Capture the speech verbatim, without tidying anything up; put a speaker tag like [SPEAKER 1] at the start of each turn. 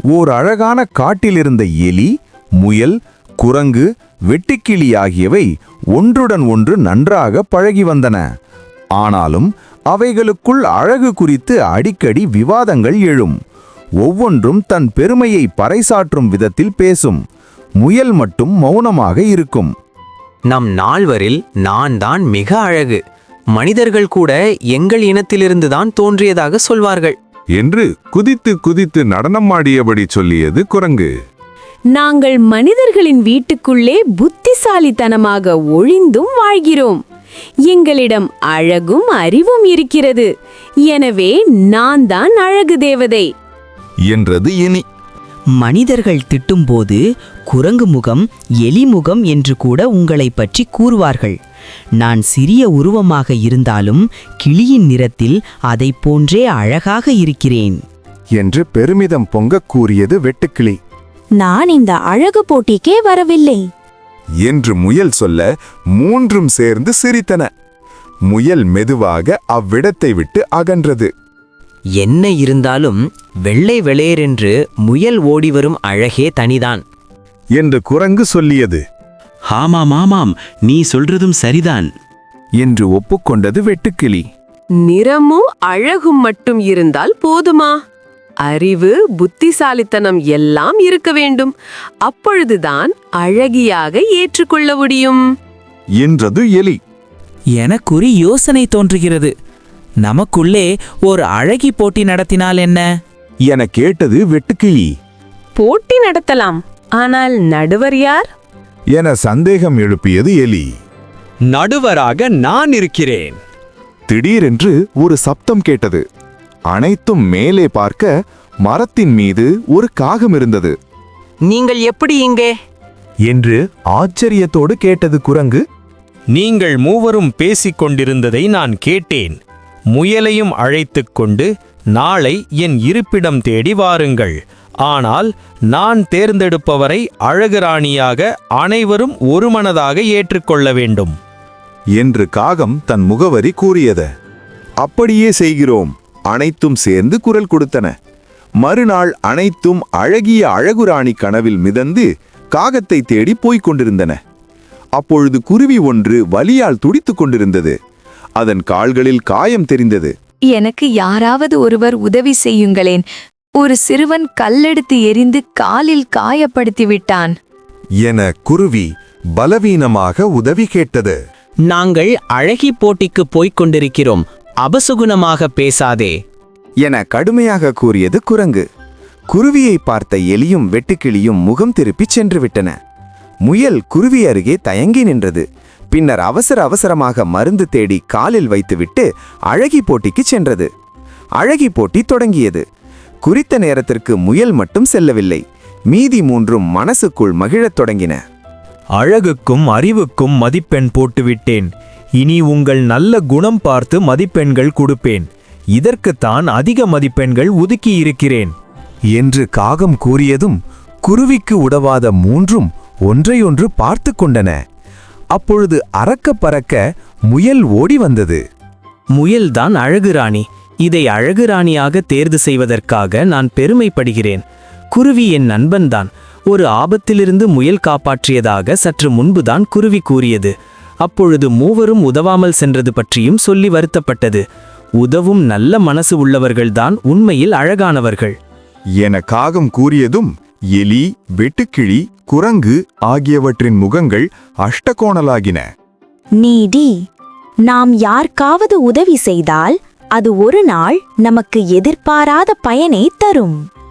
[SPEAKER 1] ஓர் அழகான காட்டிலிருந்த எலி, முயல், குரங்கு, வெட்டுக்கிளி ஆகியவை ஒன்றுடன் ஒன்று நன்றாக பழகி வந்தன. ஆனாலும் அவைகளுக்குள் அழகு குறித்து அடிக்கடி விவாதங்கள் எழும். ஒவ்வொன்றும் தன் பெருமையை பறைசாற்றும் விதத்தில் பேசும். முயல் மட்டும் மௌனமாக இருக்கும்.
[SPEAKER 2] நம் நால்வரில் நான் தான் மிக அழகு. மனிதர்கள் கூட எங்கள் இனத்திலிருந்துதான் தோன்றியதாக சொல்வார்கள்
[SPEAKER 3] என்று குதித்து குதித்து நடனமாடியபடி சொல்லியது குரங்கு.
[SPEAKER 4] நாங்கள் மனிதர்களின் வீட்டுக்குள்ளே புத்திசாலித்தனமாக ஒழிந்தும் வாழ்கிறோம். எங்களிடம் அழகும் அறிவும் இருக்கிறது. எனவே நான் தான் அழகு தேவதை
[SPEAKER 1] என்றது எலி.
[SPEAKER 5] மனிதர்கள் திட்டும்போது குரங்கு முகம், எலி முகம் என்று கூட உங்களை பற்றி கூறுவார்கள். நான் சிறிய உருவமாக இருந்தாலும் கிளியின் நிறத்தில் அதை போன்றே அழகாக இருக்கிறேன்
[SPEAKER 1] என்று பெருமிதம் பொங்க கூறியது வெட்டுக்கிளி.
[SPEAKER 4] நான் இந்த அழகு போட்டிக்கே வரவில்லை
[SPEAKER 1] என்று முயல் சொல்ல மூன்றும் சேர்ந்து சிரித்தன. முயல் மெதுவாக அவ்விடத்தை விட்டு அகன்றது.
[SPEAKER 2] என்ன இருந்தாலும் வெள்ளை வெளேரென்று முயல் ஓடிவரும் அழகே தனிதான்
[SPEAKER 1] என்று குரங்கு சொல்லியது.
[SPEAKER 6] ஆமாம் ஆமாம், நீ சொல்றதும் சரிதான்
[SPEAKER 1] என்று ஒப்புக்கொண்டது வெட்டுக்கிளி.
[SPEAKER 7] நிறமும் அழகும் மட்டும் இருந்தால் போதுமா? அறிவு, புத்திசாலித்தனம் எல்லாம் இருக்க வேண்டும். அப்பொழுதுதான் அழகியாக ஏற்றுக்கொள்ள முடியும்
[SPEAKER 1] என்றது எலி.
[SPEAKER 8] எனக்குறி யோசனை தோன்றுகிறது. நமக்குள்ளே ஒரு அழகி போட்டி நடத்தினால் என்ன
[SPEAKER 1] என கேட்டது வெட்டுக்கிளி.
[SPEAKER 7] போட்டி நடத்தலாம், ஆனால் நடுவர் யார்
[SPEAKER 1] என சந்தேகம் எழுப்பியது எலி.
[SPEAKER 2] நடுவராக நான் இருக்கிறேன்.
[SPEAKER 1] திடீரென்று ஒரு சப்தம் கேட்டது. அனைத்தும் மேலே பார்க்க மரத்தின் மீது ஒரு காகம் இருந்தது.
[SPEAKER 2] நீங்கள் எப்படி இங்கே
[SPEAKER 1] என்று ஆச்சரியத்தோடு கேட்டது குரங்கு.
[SPEAKER 9] நீங்கள் மூவரும் பேசிக் கொண்டிருந்ததை நான் கேட்டேன். முயலையும் அழைத்துக் கொண்டு நாளை என் இருப்பிடம் தேடி வாருங்கள். ஆனால் நான் தேர்ந்தெடுப்பவரை அழகுராணியாக அனைவரும் ஒருமனதாக ஏற்றுக்கொள்ள வேண்டும்
[SPEAKER 1] என்று காகம் தன் முகவரி கூறியது. அப்படியே செய்கிறோம். அனைத்தும் சேர்ந்து குரல் கொடுத்தன. மறுநாள் அனைத்தும் அழகிய அழகுராணி கனவில் மிதந்து காகத்தை தேடி போய்க் கொண்டிருந்தன. அப்பொழுது குருவி ஒன்று வலியால் துடித்துக் கொண்டிருந்தது. அதன் கால்களில் காயம் தெரிந்தது.
[SPEAKER 10] எனக்கு யாராவது ஒருவர் உதவி செய்யுங்களேன். ஒரு சிறுவன் கல்லெடுத்து எறிந்து காலில் காயப்படுத்தி விட்டான்
[SPEAKER 1] என குருவி பலவீனமாக உதவி கேட்டது.
[SPEAKER 2] நாங்கள் அழகி போட்டிக்கு போய்க் கொண்டிருக்கிறோம், அபசுகுணமாக பேசாதே
[SPEAKER 1] என கடுமையாக கூறியது குரங்கு. குருவியை பார்த்த எலியும் வெட்டுக்கிளியும் முகம் திருப்பிச் சென்று விட்டன. முயல் குருவி அருகே தயங்கி நின்றது. பின்னர் அவசர அவசரமாக மருந்து தேடி காலில் வைத்துவிட்டு அழகி போட்டிக்கு சென்றது. அழகி போட்டி தொடங்கியது. குறித்த நேரத்திற்கு முயல் மட்டும் செல்லவில்லை. மீதி மூன்றும் மனசுக்குள் மகிழத் தொடங்கின.
[SPEAKER 9] அழகுக்கும் அறிவுக்கும் மதிப்பெண் போட்டுவிட்டேன். இனி உங்கள் நல்ல குணம் பார்த்து மதிப்பெண்கள் கொடுப்பேன். இதற்குத்தான் அதிக மதிப்பெண்கள் ஒதுக்கியிருக்கிறேன்
[SPEAKER 1] என்று காகம் கூறியதும் குருவிக்கு உதவாத மூன்றும் ஒன்றையொன்று பார்த்து கொண்டன. அப்பொழுது அறக்க பறக்க முயல் ஓடி வந்தது.
[SPEAKER 2] முயல்தான் அழகுராணி. இதை அழகுராணியாக தேர்வு செய்வதற்காக நான் பெருமைப்படுகிறேன். குருவி என் நண்பன்தான். ஒரு ஆபத்திலிருந்து முயல் காப்பாற்றியதாக சற்று முன்புதான் குருவி கூறியது. அப்பொழுது மூவரும் உதவாமல் சென்றது பற்றியும் சொல்லி வருத்தப்பட்டது. உதவும் நல்ல மனசு உள்ளவர்கள்தான் உண்மையில் அழகானவர்கள்
[SPEAKER 1] என காகம் கூறியதும் எலி, வெட்டுக்கிளி, குரங்கு ஆகியவற்றின் முகங்கள் அஷ்டகோணலாகின.
[SPEAKER 4] நீடி, நாம் யாருக்காவது உதவி செய்தால் அது ஒரு நாள் நமக்கு எதிர்பாராத பயனை தரும்.